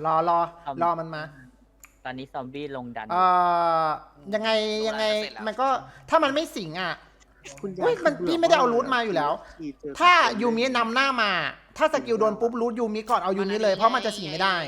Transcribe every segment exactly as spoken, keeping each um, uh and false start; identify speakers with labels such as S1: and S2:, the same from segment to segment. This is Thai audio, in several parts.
S1: อรอรอมันมา
S2: ตอนนี้ซอมบี้ลงดัน
S1: เอ่อยังไงยังไงมันก็ถ้ามันไม่สิงอ่ะอุ้ยมันพี่ไม่ได้เอารูทมาอยู่แล้ว ถ้ายูมินำหน้ามา ถ้าสกิลโดนปุ๊บรูทยูมิก่อนเอายูมิเลยเพราะมันจะสิงไม่ได้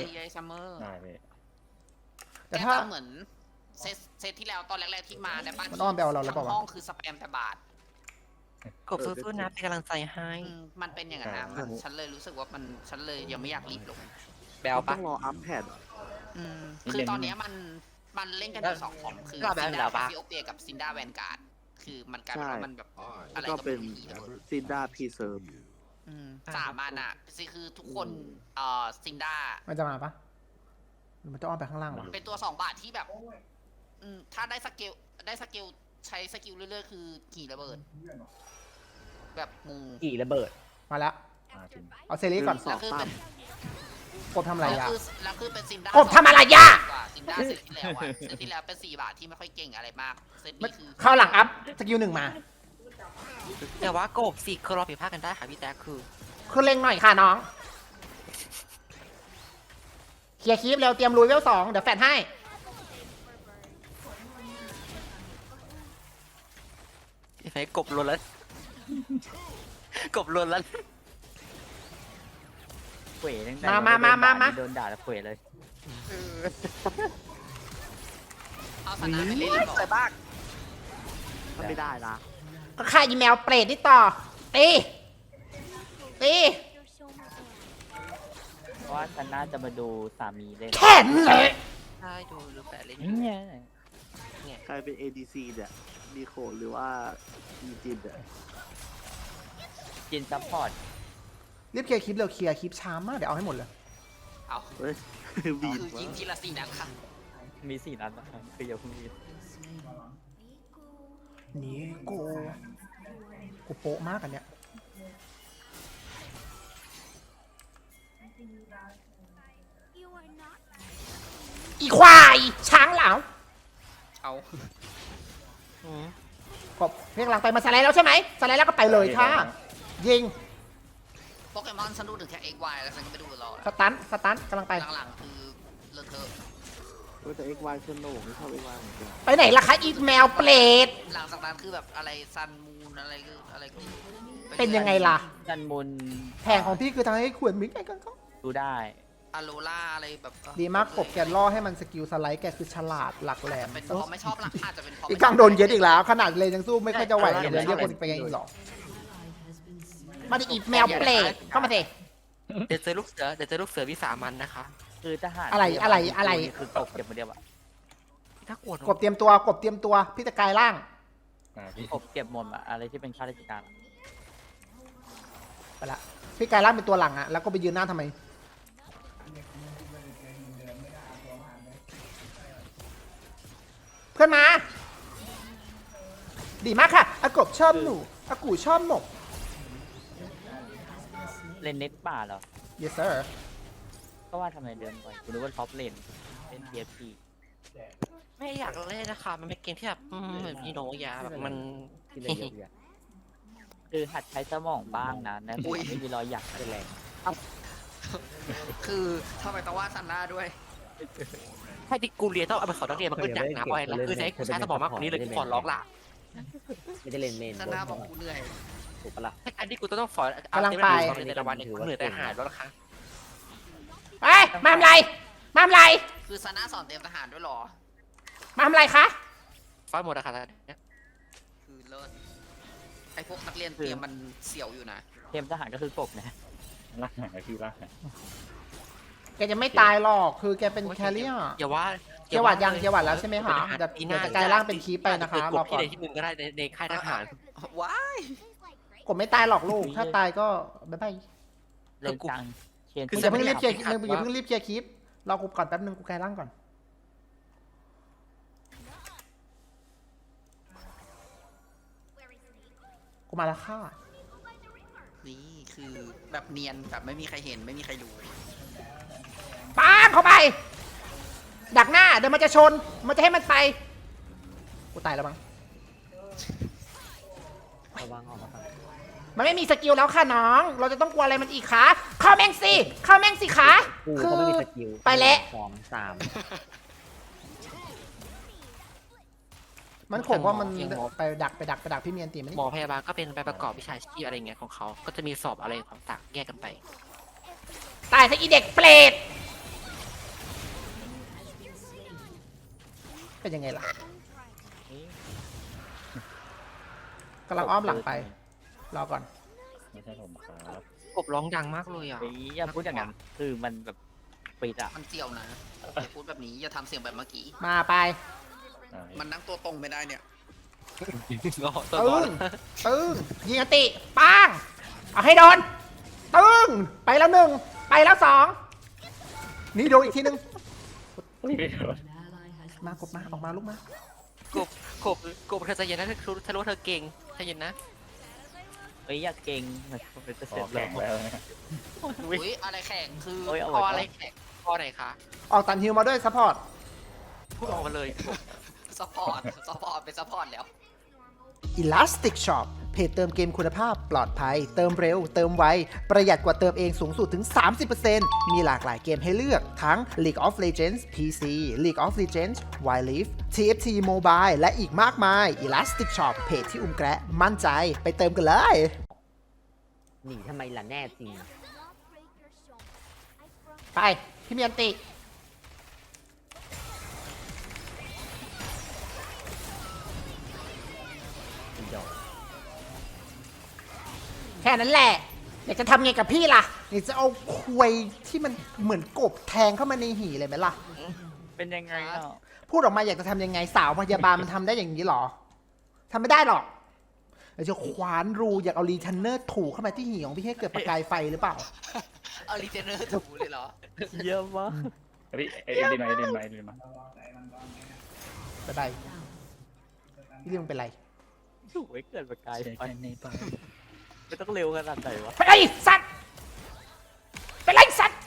S1: แต่ถ้า
S3: เหมือนเซตเซตที่แล้วตอนแรกๆที่มาในบ้าน
S1: มันอ้อมไปเอาเราแล้วเปล่าวะ
S3: ห้องคือสแปมแต่บาท
S4: กบสู้ๆนะเป็นกำลังใจให้
S3: มันเป็นอย่างนั้นนะมันฉันเลยรู้สึกว่ามันฉันเลยยังไม่อยากรีบลง
S4: แบล
S5: ต้
S4: ปะ
S5: องรออัพแพด
S3: อืมคือตอนนี้มันมันเล่นกันอยู่สองของคือซินดาแคฟิโอเปียกับซินดาแวนการ์ดคือมันกลายเป็นว่ามันแบบอะไร
S5: ก็
S3: ก็
S5: เป็น
S3: ไม่รู้
S5: ซินดาพีเซิร์ฟ
S3: สามอันอ่ะสิคือทุกคนเอ่อซินดา
S1: มันจะมาปะหรือมันจะอ้อมไปข้างล่างวะ
S3: เป็นตัวสองบาทที่แบบอืมถ้าได้สเกลได้สเกลใช้สกิลเรื่อยๆคือกี่ระเบิดแบบงู
S2: กี่ระเบิด
S1: มาแล้วเอาเซรีก่อน
S5: สองตั้ม
S1: กบทำอะไร
S3: แล้ว
S1: ยะ
S3: คือแล้วคือเป็นซินดาก
S1: บทำอะไรยะ
S3: ซินดาเซตที่แล้วอะเซตที่แล้วเป็นสี่บาทที่ไม่ค่อยเก่งอะไรมากเซตนี้คือ
S1: เข้าหลังอัพสกิลหนึ่งมา
S4: แต่ว่ากบสี่คือเราผิดพลาดกันได้ค่ะพี่แจ๊คคือ
S1: คือเล็งหน่อยค่ะน้องเคลียร์คลิปเร็วเตรียมลุยเวลสองเดี๋ยวแฟดให้
S4: ไอ้กบลนแล้วกบลนแล้ว
S2: เขวตั้งแต่
S1: มามามามามา
S2: โดนด่าแล้วเขวเลย
S3: เอาสนาไปเล่นก่อน
S4: ใส่บ้าง
S5: มันไม่ได้ละ
S1: ก็ฆ่าอีเมลเปรตนี่ต่อตีตี
S2: เพราะว่าฉันน่าจะมาดูสามีเล่น
S1: แค่นเลย
S4: ใช่ดูรูปแบบเล่น
S2: เนี่ย
S5: ใครเป็น เอ ดี ซี เนี่ยมีโคหรือว่ามีจินเนี่ย
S2: จินซัพพอร์ต
S1: รีบเคลียร์คลิปเร็วเคลียร์คลิปช้ามากเดี๋ยวเอาให้หมดเลย
S3: เอา
S5: เฮ้ย บีด
S3: คือ
S5: วะ
S3: ยิงทีละสี่นัดค่ะ
S2: มีสี่นัดนะครับคืออย่าเพิ่งรีบ
S1: นี่กูกูโป๊ะมากอันเนี้ยอีควายช้างเหลา
S3: เอา
S1: กบเรียกหลังไปมาสไลด์แล้วใช่ไหมสไลด์แล้วก็ไปเลยค่ะยิง
S3: โปเกมอนฉันดูถึงแค่ เอ็กซ์ วาย แล้วฉันก็ไม่ดูรอ
S1: สตันสตันกำลังไป
S3: หลังๆคือเลอะเทอะ
S5: เว้ยแต่ เอ็กซ์ วาย ฉันโหน่ไม่ชอบ เอ็กซ์ วาย เหมือนกัน
S1: ไปไหนล่ะคะอีแมวเปรต
S3: หลังจากนั้นคือแบบอะไรซันมูนอะไรก็อะไรก็
S1: เป็นยังไงล่ะ
S2: จันมุน
S1: แผงของพี่คือทำให้ขวดมิกไงกันเขา
S2: ดูได้
S3: อะโลล่าอะไรแบบ
S1: ดีมากกบแกล่อให้มันสกิลสไลด์แกคือฉลาดหลักแหลม
S3: เป็นเพราะไม่ชอบหลักอาจจะเป็นเพราะ
S1: อีกกลางโดนเย็ดอีกแล้ว ขนาดเลยยังสู้ไม่ค่อยจะไหวเลยเรียกคนไปยังอีกหรอมาดิอีแมวเปรตเข้ามาสิ
S4: เดี๋ยวเจอลูกเสือเดี๋ยวเจอลูกเสือวิสามันนะคะ
S2: คือทหาร
S1: อะไรอะไรอะไร
S2: คือกบเก็บมาเดียวอะ
S4: ถ้ากวด
S1: กบเตรียมตัวกบเตรียมตัวพี่จะกลายร่าง
S2: กบเก็บหมดอะอะไรที่เป็นข้าราชการอะ
S1: ไปละพี่กลายร่างเป็นตัวหลังอะแล้วก็ไปยืนหน้าทำไมเพื่อนมา ดีมากค่ะอากบชอบหนูอากูชอบหมก
S2: เล่นเน็ตป่าเหรอ
S1: yes sir
S2: ก็ว่าทำไมเดินบ่อยคุณรู้ว่าท็อปเลนเล่น ที เอฟ พี
S4: ไม่อยากเล่นนะคะมันเป็นเกมที่แบบอืมแบบยีโนยาแบบมัน
S2: ที่เล่นเยอะๆคือหัดใช้สมองบ้างนะนะไม่มีรอยหยักเป็นแรง
S3: คือทำไมต้องว่าซันน่าด้วย
S4: ถ้าดิกูเรียนต้องเอาไปสอนนักเรียนมันก็อยากนะบอยแล้วคือจะให้กูใช้สมองมากกว่านี้เลยกูขอร้องล่ะ
S6: ไม่ได้เล่นเมน
S3: ซันน่าบอกกูเหนื่อย
S6: ถูกปะล่ะ
S4: ถ้าการที่กูต้องสอน
S1: กำลังไป
S4: สอนในแต่ละวันเนี่ยกูเหนื่อยแต่หายแล้วนะคะ
S1: ไปมาทำไรมาทำไร
S3: คือซันน่าสอนเตรียมทหารด้วยเหรอ
S1: มาทำไรคะ
S4: ฟ้าหมดอะค่ะเนี่ย
S3: คือเลิศไอพวกนักเรียนเตรียมมันเสี่ยวอยู่นะ
S2: เทมทหารก็คือกบนะ
S6: ลากหายพี่ลากหาย
S1: แกจะไม่ตายหรอกคือแกเป็นแคลรี่
S4: อย่าว่า
S1: เกียร์หวัดยังเกียร์หวัดแล้วใช่ไหมคะเดี๋ยวเดี๋ยวจะกลายร่างเป็นคีปไปนะคะรอก่
S4: ที่
S1: อน
S4: ใดที่หนึ่งก็ได้ในในค่ายทหาร
S3: ว้าย
S1: กบไม่ตายหรอกลูก ถ้าตายก็บ๊ายบาย
S2: เล่นจังเชน
S1: มึงอย่าเพิ่งรีบเคลียร์มึงอย่าเพิ่งรีบเคลียร์คลิปรอกูก่อนแป๊บนึงกูกลายร่างก่อนกูมาแล้วค่ะ
S3: นี่คือแบบเนียนแบบไม่มีใครเห็นไม่มีใครรู้
S1: ป้าเข้าไป ดักหน้าเดี๋ยวมันจะชน มันจะให้มันไป กูตายแล้วมั้ง
S6: ระวังออกมาก่อน
S1: มันไม่มีสกิลแล้วค่ะน้อง เราจะต้องกลัวอะไรมันอีกคะเข้าแม่งสิเข้าแม่งสิคะ
S6: กู
S1: คื
S6: เขา
S1: อ
S6: ไม่มีสกิล
S1: ไปแล้ว
S6: สองสาม
S1: มันผมว่ามันไปดักไปดักไปดักพี่เมียนตีมัน
S4: หมอพยาบาลก็เป็นใบประกอบวิชาชีพอะไรเงี้ยของเขาก็จะมีสอบอะไรต่างๆแยกกันไป
S1: ตายซะอีเด็กเปรตเป็นยังไงล่ะกำลังอ้อมหลังไปรอก่อน
S6: ไม่ใช่ผมครับ
S4: กบร้องดังมากเลยอ่ะ
S2: เฮ้ยอย่าพูดอย่างนั้นคือมันแบบปิดอะ
S3: มันเจียวนะอย่าพูดแบบนี้อย่าทำเสียงแบบเมื่อกี้
S1: มาไป
S6: อ่า
S3: มันนั่งตัวตรงไม่ได้เนี่ย
S4: ตัว
S1: ตึ
S4: บอล
S1: งตึงยิงอติปังเอาให้โดนตึงไปแล้วหนึ่งไปแล้วสองนี่โดนอีกทีหนึง
S6: เฮ้ยไม่โดน
S1: มากบมาออกมาลูกมาก
S4: บกบกบเธอใจเย็นนะเธอรู้เธอรู้ว่าเธอเก่งใจเย็นนะ
S2: เฮ้ยอย่าเก่งมันเป็น
S6: พ
S2: เสร็
S6: อ
S2: จ
S6: แข่ง
S2: แล้ว
S6: แล้วนะ
S3: อุ้ยอะไรแข่งคือ
S2: โอ้ยเอา
S4: พอ
S2: ไว้
S4: อะไร
S2: ก่อน
S4: แขกพอไหนคะ
S1: ออกตันฮิวมาด้วยซัพพอร์ต
S4: พูดออกมาเลย
S3: ซัพพอร์ตซัพพอร์ตเป็นซัพพอร์ตแล้ว
S1: Elastic Shop เพจเติมเกมคุณภาพปลอดภัย เติมเร็ว เติมไว ประหยัดกว่าเติมเองสูงสุดถึง สามสิบเปอร์เซ็นต์ มีหลากหลายเกมให้เลือกทั้ง League of Legends พี ซี League of Legends Wild Rift ที เอฟ ที Mobile และอีกมากมาย Elastic Shop เพจที่อุ้มแกะมั่นใจไปเติมกันเลย
S6: หนีทำไมล่ะแน่จริง
S1: ไป พี่เมียนติ
S6: อีดอก
S1: แค่นั้นแหละ อยากจะทำไงกับพี่ล่ะอยากจะเอาควยที่มันเหมือนกบแทงเข้ามาในหีเลยไหมล่ะ
S2: เป็นยังไงอ่ะ
S1: พูดออกมาอยากจะทำยังไงสาวพยาบาลมันทำได้อย่างนี้หรอทำไม่ได้หรอกอยากจะคว้านรูอยากเอารีเทนเนอร์ถูเข้ามาที่หีของพี่ให้เกิดประกายไฟหรือเปล่า
S3: เอารีเจนเนอร์ถูเลยเหรอ
S2: เยอะมาก
S6: พี่เอ็นดีมาเอ็นดีมาเอ็นดีมา
S1: ไปไปพี่เรื่องเป็นไร
S2: ถูกไว้เกิดประกาย
S6: เช็ค
S2: ไฟ
S6: กันในไป
S2: ไม่ต้องเร็วขนาดไหนวะ
S1: เป็นไรสัตว์เป็นไรสัตว์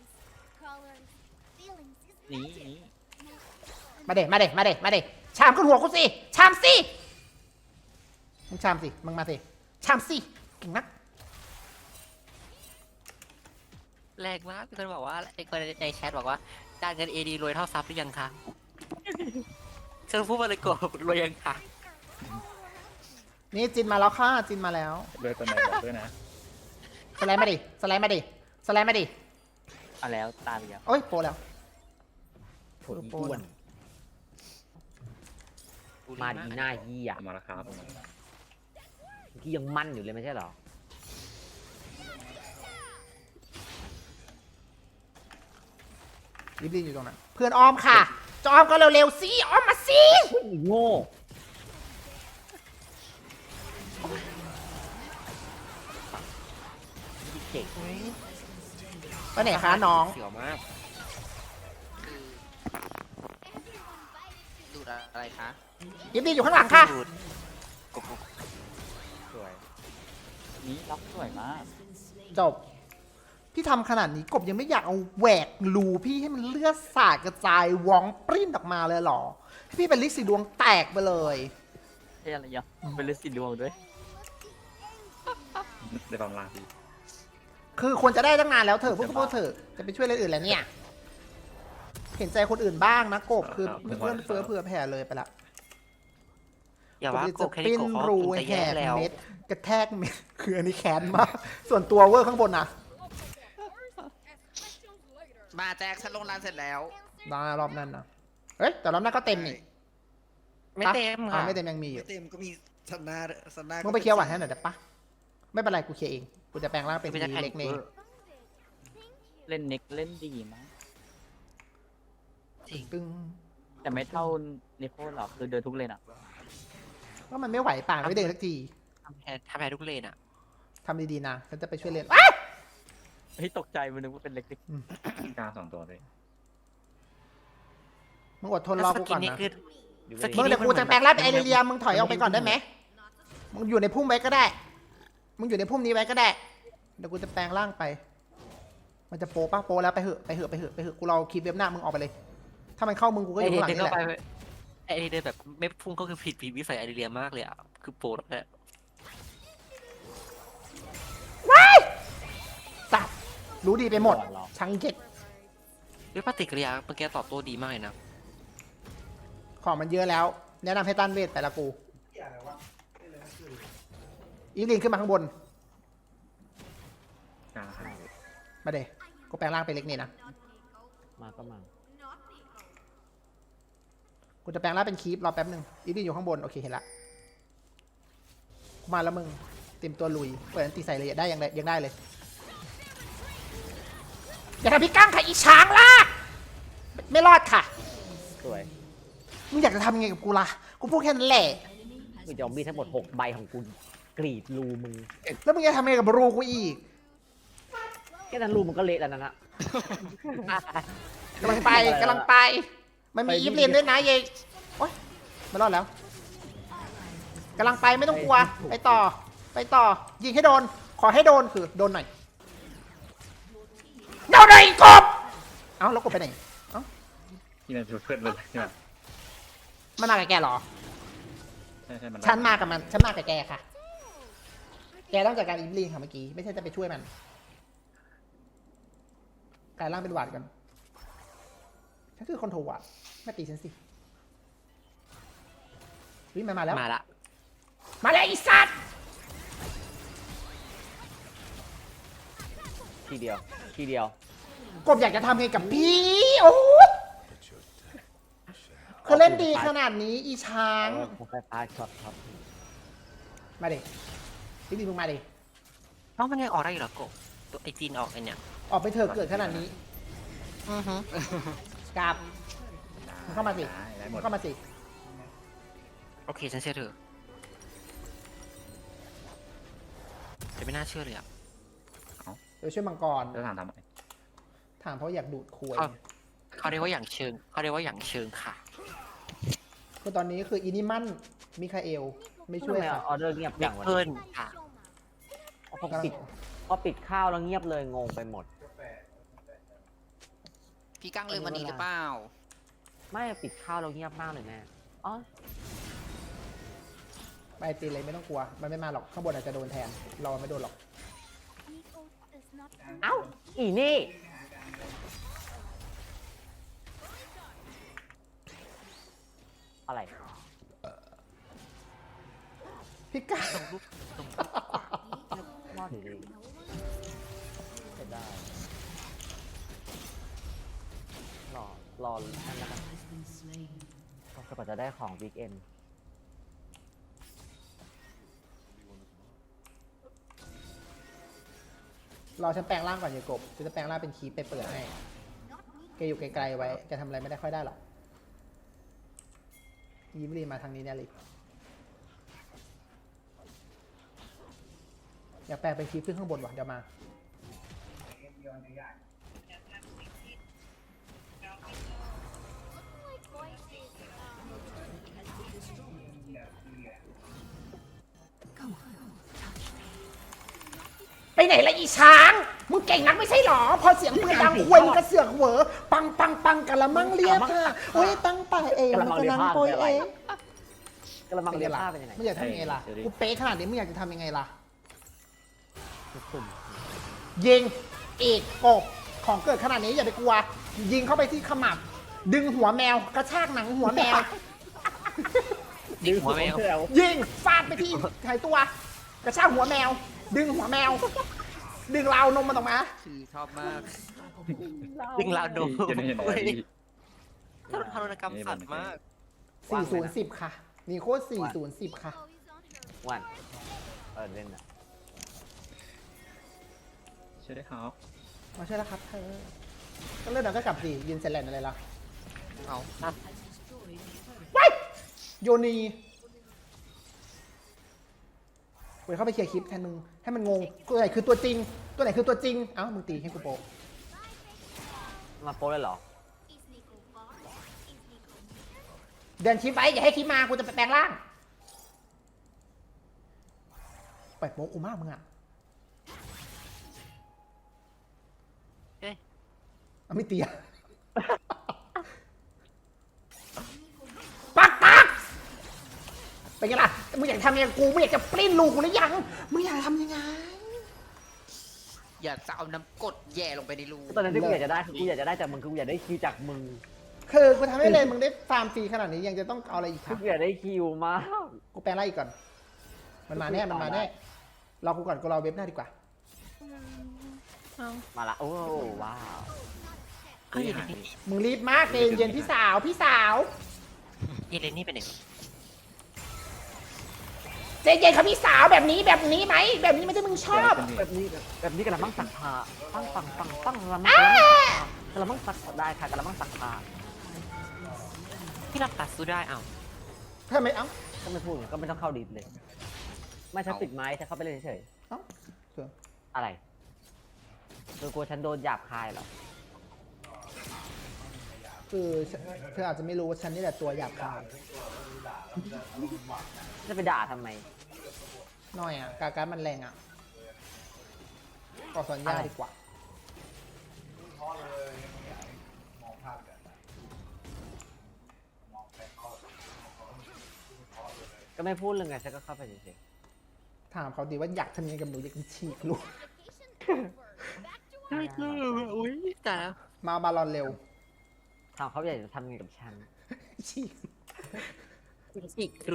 S2: หนีหนี
S1: มาเด็มาเด็มาเด็มาเด็ชามขึ้นหัวกูสิชามสิมึงชามสิมึงมาสิชามสิเก่งนัก
S4: แรงมากมีคนบอกว่าไอ้คนในแชทบอกว่าด้านเงินเอดีรวยเท่าซับหรือยังคะฉันพูดมาเลยกบรวยยังคะ
S1: นี่จินมาแล้วค่ะจินมาแล้ว
S6: ด้วยตัวไหนบอกด้วยนะ
S1: สไลด์มาดิสไลด์มาดิสไลด์มาดิ
S2: เอาแล้วตายไปแล้ว
S1: โอ้ยโปรแล้ว
S6: ผลอ้วนมาดีหน้าเหี้ย
S5: มาแล้วครับ
S6: ที่ยังมั่นอยู่เลยไม่ใช่เหรอ
S1: รีบๆอยู่ตรงนั้นเพื่อนอ้อมค่ะจะอ้อมก็เร็วๆสิอ้อมมาสิ
S6: โง่เก่ง
S1: ไปไหนคะน้อง
S4: เสียวมาก
S3: คือดูดอะไรคะ
S1: รีบๆอยู่ข้างหลังค่ะ
S4: ดูดกบ
S6: สวย
S2: นี่ล็อกสวยมาก
S1: จบ พี่ทำขนาดนี้กบยังไม่อยากเอาแหวกรูพี่ให้มันเลือดสาดกระจายวองปริ้นออกมาเลยเหรอให้พี่เป็นลิสีดวงแตกไปเลย
S2: ใช่อะไรยังเป็นฤาษีดวงด้วย
S6: ได้บำลาพี่
S1: คือควรจะได้ตั้งนานแล้วเถอะพวกพวกเถอะจะไปช่วยเรื่องอื่นแล้วเนี่ย เห็นใจคนอื่นบ้างนะกบคือเพื่อนเฟื้อเผื่อแผ่เลยไปละ
S4: อย่าว่าก
S1: จะ
S4: บแค่
S1: ปิ้
S4: นี้
S1: น
S4: กบเขา
S1: รู
S4: คงจะ
S1: แห
S4: แย่
S1: ก
S4: แล้ว
S1: เม็ดกระแทกเม็ดคืออันนี้แค้นมากส่วนตัวเวอร์ข้างบนนะ
S3: มาแจ็คฉันลงร้านเสร็จแล้ว
S1: รอบรอบนั้นนะเอ้ยแต่รอบนั้นก็เต็มนี่
S4: ไม่เต็ม
S1: อ่า
S4: ค่ะ
S1: ไม่เต็มยังมีอยู่
S3: เต็มก็มีสันนาสันนา
S1: มึงไปเคลียร์หวานให้หน่อยได้ปะไม่เป็นไรกูเคลียร์เองกูจะแปลงร่างเป็น
S4: ไม่
S1: ที
S4: ได้แพนิ
S1: เล็ก
S4: ค
S1: เนย
S2: เล่นเน็กเล่นดีมาก
S1: ตึง
S2: แต่ไม่เท่านิโคลหรอกคือเดินทุกเลนอ่ะ
S1: ก็มันไม่ไหวป่านไม่เดินสักที
S4: ทำแพ้ทำแพ้ทุกเลนอ่ะ
S1: ทำดีๆนะฉันจะไปช่วยเล่น
S2: เฮ้ยตกใจมันนึกว่าเป็นเล็ก
S6: กล้าสองตัวเลย
S1: มึงอดทนรอกูก่อน
S4: นี่
S1: นะ
S4: คือ สกิ
S1: มึ
S4: น
S1: งเดี๋ยวกูจะแปลงร่างเป็นไอเรียมึงถอยออกไปก่อนได้ไหมมึงอยู่ในพุ่มไว้ก็ได้ มึงอยู่ในพุ่มนี้ไว้ก็ได้เดี๋ยวกูจะแปลงร่างไป มันจะโปปะโปแล้วไปเหอะไปเหอะไปเหอะไปเหอะกูรอคลิปเว็บหน้ามึงออกไปเลย ถ้ามันเข้ามึงกูก็อ
S4: ไอยู่
S1: ข้างหลัง
S4: เดิน
S1: นี่
S4: เข้า
S1: แห
S4: ไป
S1: ละ
S4: ไอ้เดินแบบไม่พุ่งก็คือผิดผิดวิสัยไอเดียมากเลยอ่ะคือโปรดแหละ
S1: รู้ดีไปหมด
S2: ก่อนเหรอ
S1: ชังเจ็ด
S4: ด้วยปฏิกิริยาเมื่อกี้ตอบโต้ดีมากเลยนะ
S1: ของมันเยอะแล้ว แนะนำให้ต้านเวทแต่ละกูอีฟลินขึ้นมาข้างบน
S6: กลางห้า
S1: มาเดกูแปลงร่างไปเล็กนี่นะ
S2: มาก็มา
S1: กูจะแปลงร่างเป็นคีปรอแป๊บหนึ่งอีฟลินอยู่ข้างบนโอเคเห็นละกูมาแล้วมึงเต็มตัวลุยเปิดอันตีใส่เลยได้ยังได้ยังได้เลยอย่าทำพี่กั้งค่ะอีช้างล่ะไม่ไม่รอดค่ะ
S2: สวย
S1: มึงอยากจะทำยังไงกับกูล่ะกูพูดแค่นั้นแหละ
S2: มึงจะเอามีดทั้งหมดหกใบของกูกรีดรูมึง
S1: แล้วมึงจะทำยังไงกับรูกูอีก
S2: แค่นั้นรูมึงก็เละแล้วนะนะ
S1: กำลังไปกำลังไป มันมี
S2: ไป
S1: อีฟลินด้วยนะเยโอ๊ยไม่รอดแล้วกำลังไปไม่ต้องกลัว ไปต่อ ไปต่อ ยิงให้โดน ขอให้โดนคือโดนหน่อยโดนหน่อยกบเอ้าแล้วกบไปไหนเอ้า
S6: ที่มันเพื่อนเลยใช่ไหม
S1: มันมากับแกเหรอ
S6: ใช่ใช่มัน
S1: ฉันมากับมัน ฉันมากับแกค่ะ แกต้องจัดการอีฟลินค่ะเมื่อกี้ ไม่ใช่จะไปช่วยมันกลายร่างเป็นหวาดกันฉันคือคอนโทรหวาดไม่ตีฉันสิวิมันมาแล้ว
S4: มาละ
S1: มาแล้วไอีสัตว์
S2: ทีเดียวทีเดียว
S1: กบอยากจะทำไงกับพี่ โอ้ยคือเล่นดีขนาดนี้อีช้าง
S2: เออผมไฟฟ้าช็อตครับ
S1: มาดิพี่ดีมึงมาดิ
S4: เพราะมันยังออกได้อยู่เหรอโกะตัวไอจีนออกไอเนี่ย
S1: ออกไปเถอะเกิดขนาดนี้
S4: อือฮึ
S1: กราบมึงเข้ามาสิ
S6: ได้ได้หม
S1: มึ
S6: ด
S1: งเข้ามาสิ
S4: โอเคฉันเชื่อเธอแต่ไม่น่าเชื่อเลยอ่ะ
S1: เดี๋ยวช่วยมังกร
S6: จะถามทำไม
S1: ถามเพราะอยากดูดคุย
S4: อ้าว เขาเรียกว่าอย่างเชิงเขาเรียกว่าอย่างเชิงค่ะ
S1: คือตอนนี้คืออินิมันมิคาเอล ไม่ช่วย
S2: ทำไม
S1: ค่ะ
S2: ออเดอร์เงียบ
S4: เด็
S2: จั
S4: ก
S2: งวะ
S4: เพิ่นค่ะ
S2: พอปิดพอปิดข้าวแล้วเงียบเลยงงไปหมด
S3: พี่กั้งลืมวันนี้หรือเปล่า
S2: ไม่ปิดข้าวแล้วเงียบมากเลยแม่อ๋อ
S1: ไปตีเลยไม่ต้องกลัว มันไม่มาหรอก ข้างบนอาจจะโดนแทน เราไม่โดนหรอก
S2: เอ้าอีนี่ อะไร
S1: พี่กา
S2: มอดดีๆจะได้ รอ รอนั่นแล้วกันก็กว่าจะได้ของวีคเอน
S1: รอฉันแปลงร่างก่อนอย่ากบฉันจะแปลงร่างเป็นคีปไปเปิดให้แกอยู่ไกลๆไว้แกทำอะไรไม่ได้ค่อยได้หรอกยิ้มรีมาทางนี้แน่เลยอยากแปลงเป็นคีปขึ้นข้างบนว่ะเดี๋ยวมา ไปไหนละอีช้าง มึงเก่งนักไม่ใช่หรอ พอเสียงปืนดังควยมึงก็เสือกเหวอปังปังปังกะละมังเรียกค่ะโอ้ยตั้งแต่เองมันกำลังโปรยเอง
S2: กระมังเรียบผ้าเป็นยังไง
S1: ไม่อยากทำยังไงล่ะ กูเป๊ะขนาดนี้มึงอยากจะทำยังไงล่ะ
S2: สุ่ม
S1: ยิงอีกกบของเกิดขนาดนี้อย่าไปกลัว ยิงเข้าไปที่ขมับ ดึงหัวแมวกระชากหนังหัวแมว
S4: ดึงหัวแมว
S1: ยิงฟาดไปที่หายตัว กระชากหัวแมว ดึงหัวแมว ดึงราวนมมันออกมา
S3: คือชอบมาก
S4: ดึงลาวโดม
S6: จะได้เห็นอะไรดี
S4: ถ้าทารุณกรรมสัตว์มาก
S1: สี่ศูนย์สิบค่ะนี่โคตรสี่ศูนย์สิบค่ะ
S2: วันเออเล่นนะ
S6: ช่วยได้ครับ
S1: มาช่วยแล้วครับเธอก็เลื่อนหน่อยก็กลับสิยืนเซนแลนอะไรล่ะ
S3: เอา
S1: ว้ายโยนีเว้ยเข้าไปเคลียร์คลิปแทนมึงให้มันงงตัวไหนคือตัวจริง ตัวไหนคือตัวจริง เอ้ามึงตีให้กูโปะ
S2: มาโป้เลยเหรอ
S1: เดินคลิปไว้อย่าให้คลิปมากูจะไปแปลงร่างปล่อยโป๊ะกูมากมึงอ่ะ
S4: เอ๊ะ
S1: เอาไม่ตีอะ ปักปักเป็นไงล่ะมึงอยากทำยังไงกูมึงอยากจะปลิ้นลูกกูหรือยังมึงอยากทำยังไง
S3: อยากจะเอาน้ำกรดแย่ลงไปในรู
S7: ตอนนั้นที่กูอยากจะได้คือกูอยากจะได้จากมึงคือกูอยากได้คิวจากมึง
S1: คือกูทำให้เลยมึงได้ฟาร์มฟรีขนาดนี้ยังจะต้องเอาอะไรอีกค
S7: คื
S1: รั
S7: อบ กูอยากได้คิวมาก
S1: กูแปลงร่างอีกก่อน มันมาแน่มันมาแน่รอกูก่อนกูรอเว็บหน้าดีกว่า
S7: มาละโอ้ว้าว
S4: เอ้ยเยเลนี่
S1: มึงรีบมากเย็นเย็นพี่สาวพี่สาว
S4: เยเลนี่เป็นไง
S1: เจนเย็นครับพี่สาวแบบนี้แบบนี้ไหมแบบนี้ไม่ใช่มึงชอบ
S7: แบบนี้แบบนี้กระมังสักผ้าปังปังปังปังกระมังกระมังสักได้ค่ะกระมังสักผ้า
S4: พี่รับตัดสู้ได้เอ้า
S1: ทำไมเอ้า
S7: ก็ไม่พูดก็ไม่ต้องเข้าดีเลย ไม่ฉันปิดไม้ฉันเข้าไปเล่นเฉย
S1: เอ้าเถอะ
S7: ๆอะไรเธอกลัวฉันโดนหยาบคายเหรอ
S1: คือเธออาจจะไม่รู้ว่าฉันนี่แหละตัวหยาบคาย
S7: จะไปด่าทำไม
S1: หน่อยอ่ะกาการมันแรงอ่ะก็สัญญาดีกว่า
S7: ก็ไม่พูดเรื่องไงฉันก็เข้าไปเฉย
S1: ถามเขาดีว่าอยากทำยังไงกับหนูอยากฉีกลูก
S4: ไม่กล้าอุ้ยแต่แล้ว
S1: มาบาลอนเร็ว
S7: ๆถามเขาอยากจะทำยังไงกับฉัน
S1: ฉีก
S4: อีกครู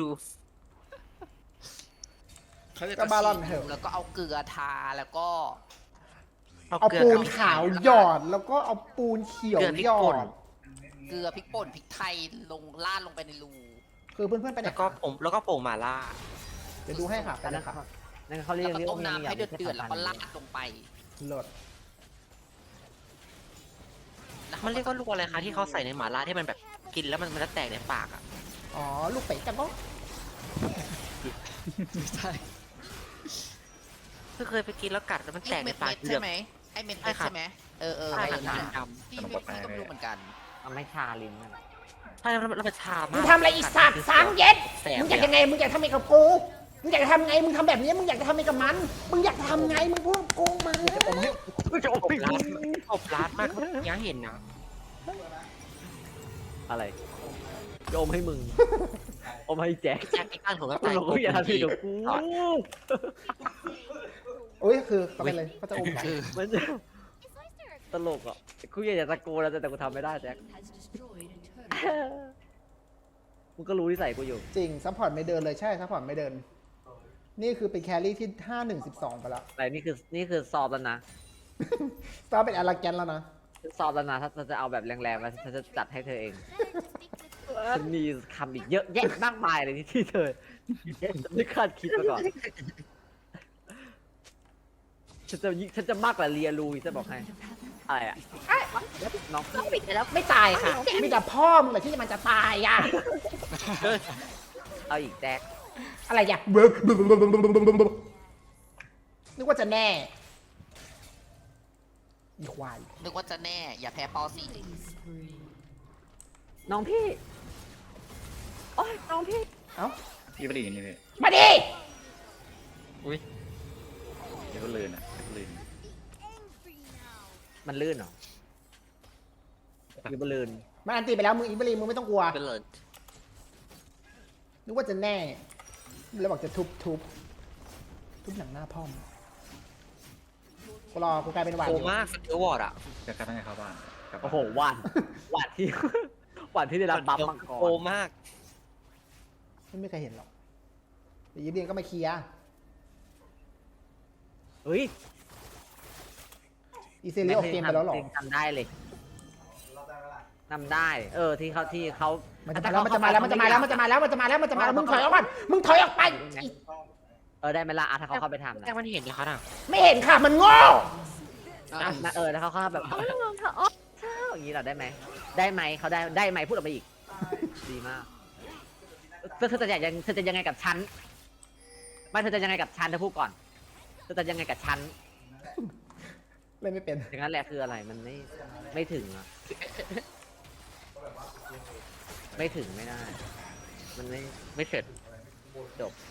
S3: เขาจะ
S1: ก็บาลอนเถอะ
S3: แล้วก็เอาเกลือทาแล้วก็
S1: เอาปูนขาวหยอดแล้วก็เอาปูนเขียวหยอด
S3: เกลือพริกป่นพริกไทยลงราดลงไปในรู
S1: คือเพื่อนๆไปไหน
S4: แล้วก็ผมแล้วก็โป่งหมาล่า
S1: เดี๋ยวดูให้ค่ะไป
S7: อัน
S1: เล
S7: นั้น
S1: ยค่ะ
S7: นั่นเขาเรีย
S3: แล้
S7: ก
S3: วก็
S7: เรียก
S3: ต้ม
S7: ว่า
S3: น้ำให้เดือดเดือดๆ
S7: แล้
S3: แล้วก็ราดลงไป
S1: โหลด
S4: มันเรียกว่าลูกอะไรคะที่เขาใส่ในหมาล่าที่มันแบบกินแล้วมันมันจะแตกในปากอ่ะ
S1: อ๋อลูกเป็ดจังก็
S3: ใช่
S4: คือเคยไปกินแล้วกัดแล้วมันแต
S3: ไอ้
S4: กใน
S3: เม็ด
S4: ปาก
S3: เม็ด
S4: เหลื
S3: ใช่
S4: อบ
S3: ไหมไอ้เม็ด
S4: ใช่
S3: เม็ด
S4: ครับ
S3: ใช่ไหมเออเออ
S4: ใช่
S3: ไอ้
S4: ครับ
S3: นั่น
S4: ด
S3: น่ะ
S4: ำ
S3: พี่ไม่พี่ก็ไม่รู้เหมือนกัน
S7: มันไม่ชาลิ้นนั่นแหละ
S4: ใช่แล้วมันแล้วมันชา
S1: มึ
S4: มาง ก
S1: ทำอะไรอีกสัตว์สางเย็ด
S4: แสบ
S1: มึงอยากยังไงมึงอยากทำไงกับกูมึงอยากจะทำไงมึงทำแบบนี้มึงอยากจะทำไงกับมันมึงอยากทำไงมึงพูดกับกูมา
S7: จะโอ้
S4: อบ
S7: ย
S4: ร้านอบร้านมากยังเห็นนะ
S7: อะไรจะอมให้มึง อมให้แจ็ค
S4: แจ็คไอ้ข้างถุงก็
S7: มึ
S4: แต
S7: ง
S4: ก
S7: บอกว่าอย่าทำผิดกับกู
S1: โอ้ยคือเขาเป็นเลยเขาจะอมเหรอ
S3: คือ
S7: มันจะตลกอ่ะกูอยากจะตะโกนแล้วแต่กูทำไม่ได้แจ็คมึงก็รู้นิสัยกูอยู่
S1: จริงซัพพอร์ตไม่เดินเลยใช่ซัพพอร์ตไม่เดิน นี่คือเป็นแครี่ที่ห้าหนึ่งสิบสองไปแล้ว
S7: แต่นี่คือนี่คือสอบแล้วนะ
S1: ตอนเป็นอาราแกนแล้วนะ
S7: สอบแล้วนะถ้าถ้าจะเอาแบบแรงๆแล้วฉันจะจัดให้เธอเองฉันมีคำอีกเยอะแยะมากมายเลยที่ที่เธอไม่คาดคิดมาก่อนฉันจะยิ่งฉันจะมากกว่าเรียรูจะบอกให้อะไรอ่ะน้อง
S1: ปิดไปแล้วไม่ตายค่ะมีแต่พ่อมึงแหละที่มันจะตายอ่ะ
S7: เอาอีกแจ็ค
S1: อะไรอยากนึกว่าจะแน่อีควาย
S3: นึกว่าจะแน่อย่าแพ้ปอสี่
S7: น้องพี่โอ้ยน้องพี่
S1: เอ้า
S6: พี่ไม่ได้อย่างนี้เลย
S1: มาดิ
S6: เดี๋ยวก็ลื่นอ่ะเดี๋ยวก็ลื่น
S7: มันลื่นเหรอหรือมันลื่น
S1: มันอันตีไปแล้วมึงอีบลีมึงไม่ต้องกลัว
S4: เป็นเลย
S1: นึกว่าจะแน่แล้วบอกจะทุบทุบทุบหนังหน้าพ่อมงกูรอกูกลายเป็นหวาน
S4: โค
S1: อยู่
S4: มากสเกลวอร์ดอ่ะ
S6: จะกลับให้เข้าบ้านกลับบ้าน
S7: โอ้โหหวานหวานที่ หวานที่ได้รับบัฟมังก
S4: โค
S7: ร
S4: มาก
S1: ไม่มีใครเห็นหรอกเดี๋ยวยิบเรียนก็มาเคลียร์
S7: เฮ้ย
S1: อีเซเรียออกเกมไปแล้วหรอ
S7: ทำได้เลยทำได้ เออที่เขาที่เขา
S1: มันจะมาแล้วมันจะมาแล้วมันจะมาแล้วมันจะมาแล้วมันจะมาแล้วมันจะมาแล้วมึงถอยออกก่อนมึงถอยออกไปอี
S7: เออได้ไหมล่ะอ่ะถ้าเขาเข้าไปทำนะ
S4: แต่มันเห็นนะคะน่ะ
S1: ไม่เห็นค่ะมันโง่
S7: อ่ะนะเออถ้าเขาเข้าแบบเออเธออ๋อเธออย่างนี้เราได้ไหมได้ไหมเขาได้ได้ไหมพูดออกมาอีก ดีมากเธอเธอจะยังเธอจะยังไงกับฉันไม่เธอจะยังไงกับฉันเธอพูดก่อนเธอจะยังไงกับฉัน
S1: เล่นไม่เป็น
S7: อย่างนั้นแหละคืออะไรมันไม่ไม่ถึงอะไม่ถึงไม่ได้ มันไม่ไม่เสร็จจบ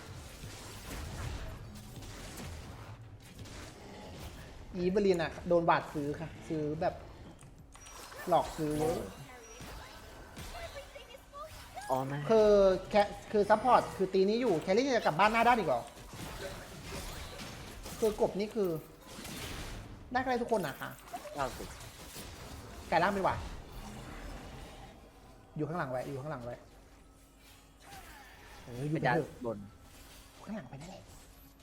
S1: อีเบลีนอ่ะโดนบาดซื้อค่ะ ซื้อแบบหลอกซื้อเว้ย
S7: อ๋อไม่
S1: คือแคคือซัพพอร์ตคือตีนี้อยู่แคลรี่จะกลับบ้านหน้าด้านอีกเหรอคือกบนี่คือได้ใครทุกคนนะคะ
S7: เก้าสิบ
S1: กลายร่างเป็นหวาดอยู่ข้างหลังไว้อยู่ข้างหลังไว้เอออยู่
S7: เป็น
S1: ไป
S7: ดา
S1: เถอะ
S7: บน
S1: ข้างหลังไปนั่นแหละ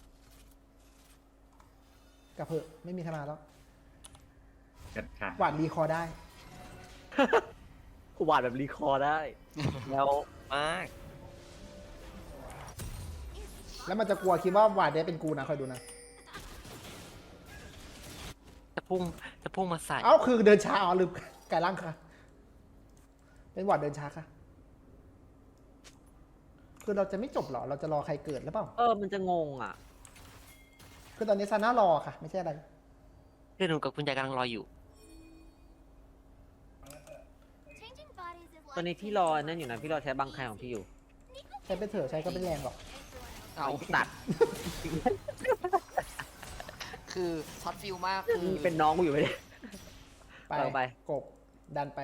S1: กลับเพอะไม่มีใครมาแล้ว
S6: กัดขาด
S1: หวาดรีคอร์ได้
S7: กูวาดแบบรีคอร์ได้
S4: แล้วมาก
S1: แล้วมันจะกลัวคิดว่าหวาดได้เป็นกูนะคอยดูนะ
S4: จะพุ่งจะพุ่งมาใส่
S1: เอ้าคือเดินช้าอ๋อลืมกลายร่างค่ะ เป็นหวาดเดินช้าค่ะ คือเราจะไม่จบเหรอเราจะรอใครเกิดหรือเปล่า
S7: เออมันจะงงอ่ะ
S1: คือตอนนี้ซาน่ารอค่ะ ไม่ใช่อะไร
S4: คือหนูกับคุณยายกำลังรออยู่
S7: ตอนนี้พี่รอนั่นอยู่นะพี่รอใช้บังใครของพี่อยู่
S1: ใช้ไปเถอะใช้ก็ไม่แรงหรอก
S3: เอา
S7: ตัด
S3: คือช็อตฟิลมากคือ
S7: เป็นน้องกูอยู่ไม่ได้
S1: ไป
S7: เอาไป
S1: กบดันไป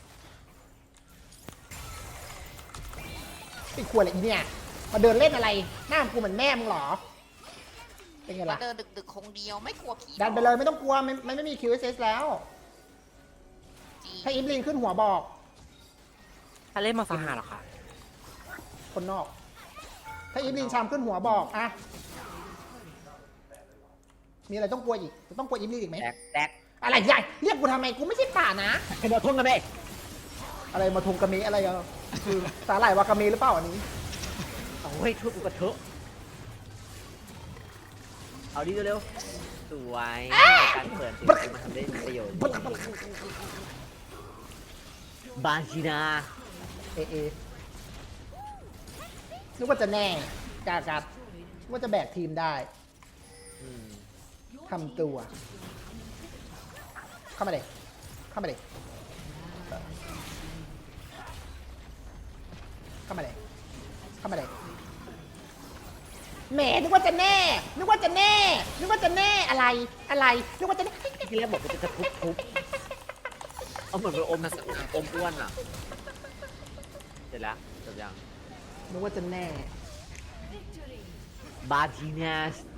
S1: ไอ้ขวดอะไรอีเนี่ยมาเดินเล่นอะไรหน้ากูเหมือนแม่มึงเหรอเป็นไง
S3: มา
S1: ล่ะ
S3: เดินดึกๆคงเดียวไม่กลัวผี
S1: ดันไปเลยไม่ต้องกลัวมันมันไม่มี คิว เอส เอส แล้ว
S3: จริง
S1: ถ้าอิฟลินขึ้นหัวบอก
S4: ถ้าเล่นมาฟาหาเหรอคะ
S1: คนนอก ถ้าอิฟลินชามขึ้นหัวบอกอะมีอะไรต้องกลัวอีกต้องกลัวอิฟลินอีกไหม
S7: แดกแดก
S1: อะไรใหญ่เรียกกูทำไมกูไม่ใช่ป่านะ
S7: เป็นเราทุ่งกันไหม
S1: อะไรมาทงกะเมอะไรอะคือสาหร่ายวากาเมหรือเปล่าอันนี้
S7: เอาเฮ้ยทุบกูกระเทอะเอาดิเร็วๆสวยการเปิดสิ่งที่มันทำได้ประโยชน์บาจินา
S1: เอเอนึกว่าจะแน่กากัดนึกว่าจะแบกทีมได้
S7: อืม
S1: ทำตัว เข้ามาเลยเข้ามาเลยเข้ามาเลยเข้ามาเลยแหมนึกว่าจะแน่ นึกว่าจะแน่ นึกว่าจะแน่อะไรอะไรนึกว่าจะแน่
S7: ที่แรกบอกว่าจะทุบทุบเอาเหมือนเป็นอมอมอ้วนอ่ะเสร็จแล้วจบยัง
S1: นึกว่าจะแน่
S7: บาจินาส